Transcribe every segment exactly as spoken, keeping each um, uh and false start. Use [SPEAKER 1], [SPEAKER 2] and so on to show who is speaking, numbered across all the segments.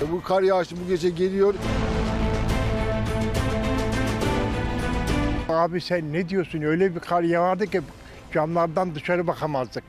[SPEAKER 1] Bu kar yağışı bu gece geliyor.
[SPEAKER 2] Abi sen ne diyorsun? Öyle bir kar yağardı ki camlardan dışarı bakamazdık.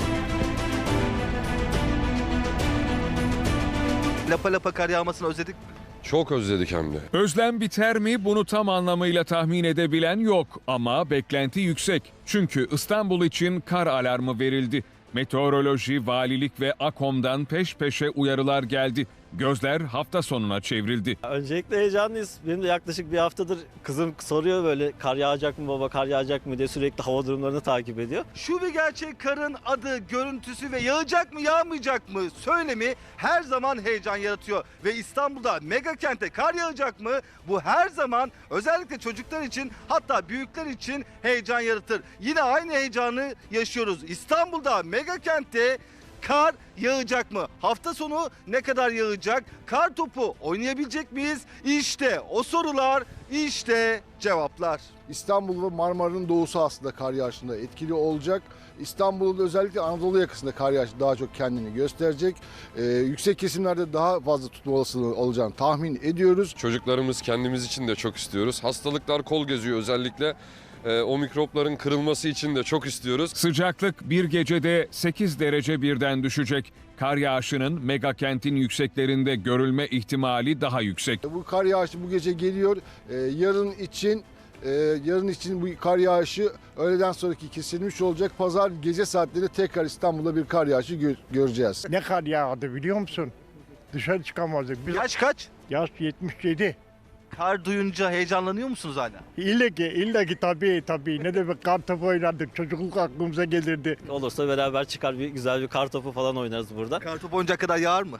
[SPEAKER 3] Lapa lapa kar yağmasını özledik.
[SPEAKER 4] Çok özledik hem de.
[SPEAKER 5] Özlem biter mi bunu tam anlamıyla tahmin edebilen yok ama beklenti yüksek. Çünkü İstanbul için kar alarmı verildi. Meteoroloji, valilik ve AKOM'dan peş peşe uyarılar geldi. Gözler hafta sonuna çevrildi.
[SPEAKER 6] Öncelikle heyecanlıyız. Benim de yaklaşık bir haftadır kızım soruyor böyle kar yağacak mı baba, kar yağacak mı diye sürekli hava durumlarını takip ediyor.
[SPEAKER 3] Şu bir gerçek, karın adı, görüntüsü ve yağacak mı yağmayacak mı söylemi her zaman heyecan yaratıyor. Ve İstanbul'da mega kente kar yağacak mı? Bu her zaman özellikle çocuklar için, hatta büyükler için heyecan yaratır. Yine aynı heyecanı yaşıyoruz. İstanbul'da mega kentte kar yağacak mı? Hafta sonu ne kadar yağacak? Kar topu oynayabilecek miyiz? İşte o sorular, işte cevaplar.
[SPEAKER 1] İstanbul ve Marmara'nın doğusu aslında kar yağışında etkili olacak. İstanbul'da özellikle Anadolu yakasında kar yağışı daha çok kendini gösterecek. Ee, yüksek kesimlerde daha fazla tutma olasılığı olacağını tahmin ediyoruz.
[SPEAKER 4] Çocuklarımız, kendimiz için de çok istiyoruz. Hastalıklar kol geziyor özellikle. Ee, o mikropların kırılması için de çok istiyoruz.
[SPEAKER 5] Sıcaklık bir gecede sekiz derece birden düşecek. Kar yağışının mega kentin yükseklerinde görülme ihtimali daha yüksek.
[SPEAKER 1] Bu kar yağışı bu gece geliyor. Ee, yarın için e, yarın için bu kar yağışı öğleden sonraki kesilmiş olacak. Pazar gece saatlerinde tekrar İstanbul'da bir kar yağışı gö- göreceğiz.
[SPEAKER 2] Ne kar yağdı biliyor musun? Dışarı çıkamazdık. Biz
[SPEAKER 3] Yaş kaç?
[SPEAKER 2] yaş yetmiş yedi.
[SPEAKER 3] Kar duyunca heyecanlanıyor musunuz hala?
[SPEAKER 2] İlle ki, ille ki tabii tabii. Ne demek kar topu oynardık. Çocukluk aklımıza gelirdi.
[SPEAKER 6] Olursa beraber çıkar bir güzel bir kar topu falan oynarız burada.
[SPEAKER 3] Kar topu oynayacak kadar yağar mı?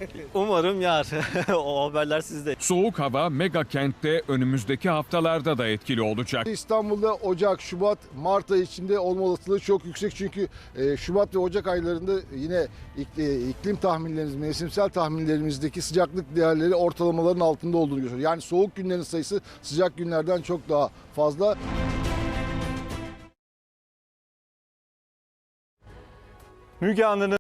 [SPEAKER 6] Umarım yağar. O haberler sizde.
[SPEAKER 5] Soğuk hava mega kentte önümüzdeki haftalarda da etkili olacak.
[SPEAKER 1] İstanbul'da Ocak, Şubat, Mart ayı içinde olma olasılığı çok yüksek. Çünkü e, Şubat ve Ocak aylarında yine ik- iklim tahminlerimiz, mevsimsel tahminlerimizdeki sıcaklık değerleri ortalamaların altında olduğunu gösteriyor. Yani soğuk günlerin sayısı sıcak günlerden çok daha fazla.
[SPEAKER 7] Müge Anlı'nın